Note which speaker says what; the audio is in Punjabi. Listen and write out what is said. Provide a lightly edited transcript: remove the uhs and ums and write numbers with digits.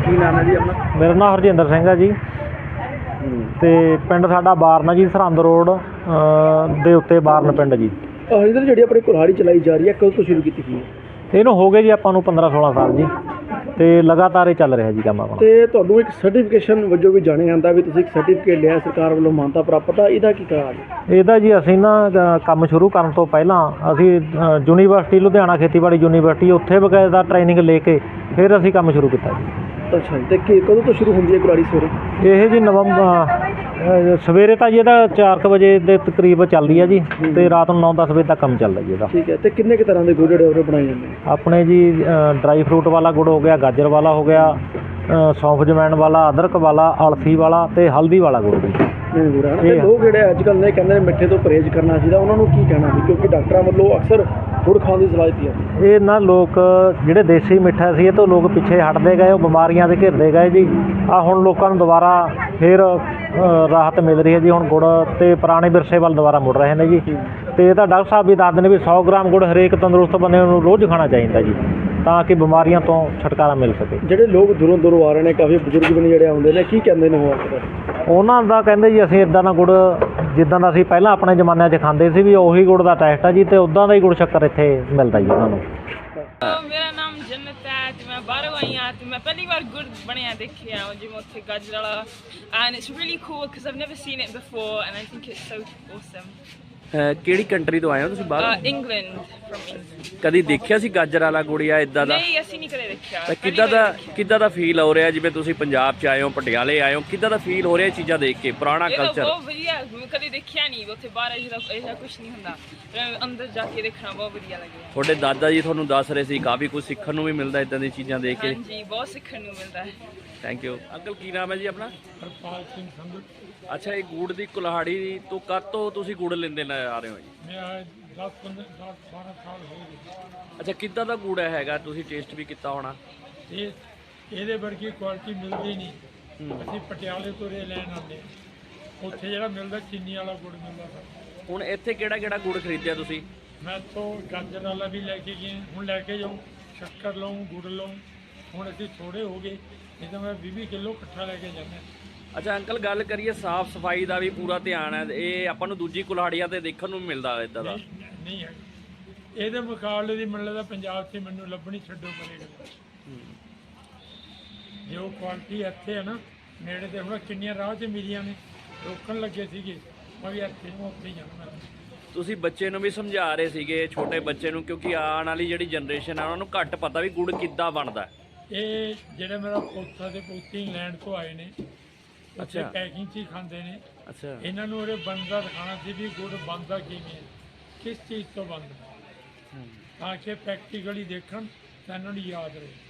Speaker 1: ਕੀ ਨਾਮ ਹੈ ਜੀ ਆਪਣਾ?
Speaker 2: ਮੇਰਾ ਨਾਮ ਹਰਜਿੰਦਰ ਸਿੰਘ ਹੈ ਜੀ ਤੇ ਪਿੰਡ ਸਾਡਾ ਬਾਰਨ ਜੀ, ਸਰਹੰਦ ਰੋਡ ਦੇ ਉੱਤੇ ਬਾਰਨ ਪਿੰਡ ਜੀ।
Speaker 1: ਹਰਜਿੰਦਰ, ਜਿਹੜੀ ਆਪਣੀ ਕੁਲਹਾੜੀ ਚਲਾਈ ਜਾ ਰਹੀ ਹੈ, ਕਦੋਂ ਤੋਂ ਸ਼ੁਰੂ ਕੀਤੀ ਗਈ ਹੈ?
Speaker 2: ਇਹਨੂੰ ਹੋ ਗਏ ਜੀ ਆਪਾਂ ਨੂੰ 15-16 ਸਾਲ ਜੀ, ਤੇ ਲਗਾਤਾਰ ਇਹ ਚੱਲ ਰਿਹਾ ਜੀ ਕੰਮ ਆਪਣਾ।
Speaker 1: ਤੇ ਤੁਹਾਨੂੰ ਇੱਕ ਸਰਟੀਫਿਕੇਸ਼ਨ ਵਜੋਂ ਵੀ ਜਾਣਿਆ ਜਾਂਦਾ ਵੀ ਤੁਸੀਂ ਇੱਕ ਸਰਟੀਫਿਕੇਟ ਲਿਆ ਸਰਕਾਰ ਵੱਲੋਂ ਮਾਨਤਾ ਪ੍ਰਾਪਤ ਆ, ਇਹਦਾ ਕੀ ਕਾਰਨ ਹੈ?
Speaker 2: ਇਹਦਾ ਜੀ ਅਸੀਂ ਨਾ ਕੰਮ ਸ਼ੁਰੂ ਕਰਨ ਤੋਂ ਪਹਿਲਾਂ ਅਸੀਂ ਯੂਨੀਵਰਸਿਟੀ ਲੁਧਿਆਣਾ ਖੇਤੀਬਾੜੀ ਯੂਨੀਵਰਸਿਟੀ ਉੱਥੇ ਬਕਾਇਦਾ ਟ੍ਰੇਨਿੰਗ ਲੈ ਕੇ ਫਿਰ ਅਸੀਂ ਕੰਮ ਸ਼ੁਰੂ ਕੀਤਾ ਜੀ।
Speaker 1: ਅੱਛਾ ਜੀ, ਤੇ ਕਦੋਂ ਤੋਂ ਸ਼ੁਰੂ ਹੁੰਦੀ ਹੈ ਕੁਲਹਾੜੀ ਸਵੇਰੇ?
Speaker 2: ਇਹ ਜੀ ਸਵੇਰੇ ਤਾਂ ਜੀ ਇਹਦਾ 4 ਵਜੇ ਦੇ ਤਕਰੀਬ ਚੱਲਦੀ ਹੈ ਜੀ, ਤੇ ਰਾਤ ਨੂੰ 9-10 ਵਜੇ ਤੱਕ ਕੰਮ ਚੱਲਦਾ ਜੀ ਇਹਦਾ।
Speaker 1: ਠੀਕ ਹੈ, ਤੇ ਕਿੰਨੇ ਕੁ ਤਰ੍ਹਾਂ ਦੇ ਗੁੜ ਜਿਹੜੇ ਉਹ ਬਣਾਏ ਜਾਂਦੇ ਨੇ?
Speaker 2: ਆਪਣੇ ਜੀ ਡਰਾਈ ਫਰੂਟ ਵਾਲਾ ਗੁੜ ਹੋ ਗਿਆ, ਗਾਜਰ ਵਾਲਾ ਹੋ ਗਿਆ, ਸੌਂਫ ਜਮੈਣ ਵਾਲਾ, ਅਦਰਕ ਵਾਲਾ, ਅਲਸੀ ਵਾਲਾ ਤੇ ਹਲਦੀ ਵਾਲਾ ਗੁੜ ਜੀ।
Speaker 1: ਗੁੜ ਹੈ ਤੇ ਲੋਕ ਜਿਹੜੇ ਅੱਜ ਕੱਲ੍ਹ ਨੇ ਕਹਿੰਦੇ ਨੇ ਮਿੱਠੇ ਤੋਂ ਪਰਹੇਜ਼ ਕਰਨਾ ਚਾਹੀਦਾ, ਉਹਨਾਂ ਨੂੰ ਕੀ ਕਹਿਣਾ ਸੀ? ਕਿਉਂਕਿ ਡਾਕਟਰਾਂ ਵੱਲੋਂ ਅਕਸਰ ਗੁੜ ਖਾਣ ਦੀ ਸਲਾਹ ਦਿੱਤੀ ਹੈ।
Speaker 2: ਇਹ ਨਾ ਲੋਕ ਜਿਹੜੇ ਦੇਸੀ ਮਿੱਠਾ ਸੀ ਇਹ ਤੋਂ ਲੋਕ ਪਿੱਛੇ ਹਟਦੇ ਗਏ, ਉਹ ਬਿਮਾਰੀਆਂ ਦੇ ਘਿਰਦੇ ਗਏ ਜੀ। ਆ ਹੁਣ ਲੋਕਾਂ ਨੂੰ ਦੁਬਾਰਾ ਫਿਰ ਰਾਹਤ ਮਿਲ ਰਹੀ ਹੈ ਜੀ। ਹੁਣ ਗੁੜ ਤੇ ਪੁਰਾਣੇ ਵਿਰਸੇ ਵੱਲ ਦੁਬਾਰਾ ਮੁੜ ਰਹੇ ਨੇ ਜੀ। ਤੇ ਇਹ ਤਾਂ ਡਾਕਟਰ ਸਾਹਿਬ ਵੀ ਦੱਸਦੇ ਨੇ ਵੀ 100 ਗ੍ਰਾਮ ਗੁੜ ਹਰੇਕ ਤੰਦਰੁਸਤ ਬੰਦੇ ਨੂੰ ਰੋਜ਼ ਖਾਣਾ ਚਾਹੀਦਾ ਜੀ, ਤਾਂ ਕਿ ਬਿਮਾਰੀਆਂ ਤੋਂ ਛੁਟਕਾਰਾ ਮਿਲ ਸਕੇ।
Speaker 1: ਜਿਹੜੇ ਲੋਕ ਦੂਰੋਂ ਦੂਰੋਂ ਆ ਰਹੇ ਨੇ, ਕਾਫੀ ਬਜ਼ੁਰਗ ਵੀ ਨੇ ਜਿਹੜੇ ਆਉਂਦੇ ਨੇ, ਕੀ ਕਹਿੰਦੇ ਨੇ ਉਹ?
Speaker 2: ਉਹਨਾਂ ਦਾ ਕਹਿੰਦੇ ਜੀ ਅਸੀਂ ਇੱਦਾਂ ਦਾ ਗੁੜ ਜਿੱਦਾਂ ਦਾ ਅਸੀਂ ਪਹਿਲਾਂ ਆਪਣੇ ਜ਼ਮਾਨਿਆਂ 'ਚ ਖਾਂਦੇ ਸੀ ਵੀ ਉਹੀ ਗੁੜ ਦਾ ਟੈਸਟ ਆ ਜੀ, ਤੇ ਉੱਦਾਂ ਦਾ ਹੀ ਗੁੜ ਸ਼ੱਕਰ ਇੱਥੇ ਮਿਲਦਾ ਜੀ ਉਹਨਾਂ ਨੂੰ।
Speaker 3: ਮੇਰਾ ਨਾਮ ਜੰਨਤ ਹੈ ਤੇ ਮੈਂ ਬਾਹਰੋਂ ਆਈ ਹਾਂ ਤੇ ਮੈਂ ਪਹਿਲੀ ਵਾਰ ਗੁੜ ਬਣਿਆ ਦੇਖਿਆ ਜਿਵੇਂ ਉੱਥੇ ਗਾਜਰ ਵਾਲਾ, and it's really cool because I've never seen it before and I think it's so awesome।
Speaker 4: ਕਿਹੜੀ ਕੰਟਰੀ ਤੋਂ ਆਏ ਹੋ ਤੁਸੀਂ ਬਾਹਰ?
Speaker 3: England, from England।
Speaker 4: ਕਦੀ ਦੇਖਿਆ ਸੀ ਗਾਜਰ ਵਾਲਾ ਗੁੜ ਜਾਂ ਇਦਾਂ ਦਾ?
Speaker 3: ਨਹੀਂ, ਅਸੀਂ ਨਹੀਂ ਕਦੇ ਦੇਖਿਆ।
Speaker 4: ਤਾਂ ਕਿੱਦਾਂ ਦਾ ਫੀਲ ਹੋ ਰਿਹਾ ਜਿਵੇਂ ਤੁਸੀਂ ਪੰਜਾਬ 'ਚ ਆਏ ਹੋ, ਪਟਿਆਲੇ ਆਏ ਹੋ, ਕਿੱਦਾਂ ਦਾ ਫੀਲ ਹੋ ਰਿਹਾ ਇਹ ਚੀਜ਼ਾਂ ਦੇਖ ਕੇ, ਪੁਰਾਣਾ ਕਲਚਰ?
Speaker 3: ਬਹੁਤ ਵਧੀਆ, ਮੈਂ ਕਦੇ ਦੇਖਿਆ ਨਹੀਂ ਉੱਥੇ ਬਾਹਰ ਇਹਦਾ ਕੁਝ ਨਹੀਂ ਹੁੰਦਾ, ਅੰਦਰ ਜਾ ਕੇ ਦੇਖਣਾ ਬਹੁਤ ਵਧੀਆ ਲੱਗਿਆ।
Speaker 4: ਤੁਹਾਡੇ ਦਾਦਾ ਜੀ ਤੁਹਾਨੂੰ ਦੱਸ ਰਹੇ ਸੀ ਕਾਫੀ ਕੁਝ ਸਿੱਖਣ ਨੂੰ ਵੀ ਮਿਲਦਾ ਇਦਾਂ ਦੀਆਂ ਚੀਜ਼ਾਂ ਦੇਖ ਕੇ।
Speaker 3: ਹਾਂਜੀ, ਬਹੁਤ ਸਿੱਖਣ ਨੂੰ ਮਿਲਦਾ ਹੈ।
Speaker 4: Thank you uncle. ਕੀ ਨਾਮ ਹੈ ਜੀ ਆਪਣਾ?
Speaker 5: ਹਰਪਾਲ ਸਿੰਘ ਸੰਧੂ।
Speaker 4: ਅੱਛਾ, ਇਹ ਗੁੜ ਦੀ ਕੁਲਹਾੜੀ ਤੋਂ ਕਦ ਤੋਂ ਤੁਸੀਂ ਗੁੜ ਲੈਂਦੇ ਆ ਰਹੇ ਹੋ ਜੀ?
Speaker 5: ਮੈਂ 10-12 ਸਾਲ ਹੋ ਗਏ।
Speaker 4: ਅੱਛਾ, ਕਿੱਦਾਂ ਦਾ ਗੁੜ ਹੈਗਾ? ਤੁਸੀਂ ਟੇਸਟ ਵੀ ਕੀਤਾ ਹੋਣਾ।
Speaker 5: ਇਹਦੇ ਵਰਗੀ ਕੁਆਲਿਟੀ ਮਿਲਦੀ ਨਹੀਂ। ਅਸੀਂ ਪਟਿਆਲੇ ਤੋਂ ਰੇ ਲੈਣ ਆਉਂਦੇ ਹਾਂ, ਉੱਥੇ ਜਿਹੜਾ ਮਿਲਦਾ ਚੀਨੀ ਵਾਲਾ ਗੁੜ ਮਿਲਦਾ ਸਾਨੂੰ।
Speaker 4: ਹੁਣ ਇੱਥੇ ਕਿਹੜਾ ਗੁੜ ਖਰੀਦਿਆ ਤੁਸੀਂ?
Speaker 5: ਮੈਂ ਤੋਂ ਗਾਜਰ ਵਾਲਾ ਵੀ ਲੈ ਕੇ ਗਏ, ਹੁਣ ਲੈ ਕੇ ਜਾਊਂ, ਸ਼ੱਕਰ ਲਊਂ, ਗੁੜ ਲਊਂ। ਹੁਣ ਅਸੀਂ ਥੋੜ੍ਹੇ ਹੋ ਗਏ, ਨਹੀਂ ਤਾਂ ਮੈਂ 20 ਕਿਲੋ ਇਕੱਠਾ ਲੈ ਕੇ ਜਾਂਦਾ।
Speaker 4: ਅੱਛਾ ਅੰਕਲ, ਗੱਲ ਕਰੀਏ ਸਾਫ਼ ਸਫਾਈ ਦਾ ਵੀ ਪੂਰਾ ਧਿਆਨ ਹੈ, ਇਹ ਆਪਾਂ ਨੂੰ ਦੂਜੀ ਕੁਲਹਾੜੀਆਂ ਤੇ ਦੇਖਣ ਨੂੰ ਮਿਲਦਾ ਇਦਾਂ ਦਾ?
Speaker 5: ਨਹੀਂ ਹੈ, ਇਹਦੇ ਮੁਕਾਬਲੇ ਦੀ ਮੈਨੂੰ ਲੱਗਦਾ ਪੰਜਾਬ 'ਚ ਮੈਨੂੰ ਲੱਭਣੀ ਛੱਡੋ ਪਰੇਗਾ। ਜੋ ਕੁਆਲਿਟੀ ਇੱਥੇ ਹੈ ਨਾ ਨੇੜੇ ਤੇ, ਹੁਣ ਕਿੰਨੀਆਂ ਰਾਹ 'ਚ ਮਿਲੀਆਂ ਨੇ, ਰੋਕਣ ਲੱਗੇ ਸੀਗੇ, ਮੈਂ ਵੀ ਇੱਥੇ ਨੂੰ ਉੱਥੇ ਹੀ ਜਾਣਾ।
Speaker 4: ਤੁਸੀਂ ਬੱਚੇ ਨੂੰ ਵੀ ਸਮਝਾ ਰਹੇ ਸੀਗੇ, ਛੋਟੇ ਬੱਚੇ ਨੂੰ, ਕਿਉਂਕਿ ਆਉਣ ਵਾਲੀ ਜਿਹੜੀ ਜਨਰੇਸ਼ਨ ਆ ਉਹਨਾਂ ਨੂੰ ਘੱਟ ਪਤਾ ਵੀ ਗੁੜ ਕਿੱਦਾਂ ਬਣਦਾ।
Speaker 5: ਇਹ ਜਿਹੜੇ ਮੇਰਾ ਪੋਤਾ ਤੇ ਪੋਤੀ ਇੰਗਲੈਂਡ ਤੋਂ ਆਏ ਨੇ, ਅੱਛਾ ਪੈਕਿੰਗ 'ਚ ਹੀ ਖਾਂਦੇ ਨੇ।
Speaker 4: ਅੱਛਾ,
Speaker 5: ਇਹਨਾਂ ਨੂੰ ਉਹਦੇ ਬਣਦਾ ਦਿਖਾਉਣਾ ਸੀ ਵੀ ਗੁੜ ਬਣਦਾ ਕਿਵੇਂ ਹੈ, ਕਿਸ ਚੀਜ਼ ਤੋਂ ਬਣਦਾ, ਤਾਂ ਕਿ ਪ੍ਰੈਕਟੀਕਲੀ ਦੇਖਣ ਤਾਂ ਇਹਨਾਂ ਨੂੰ ਯਾਦ ਰਹੇ।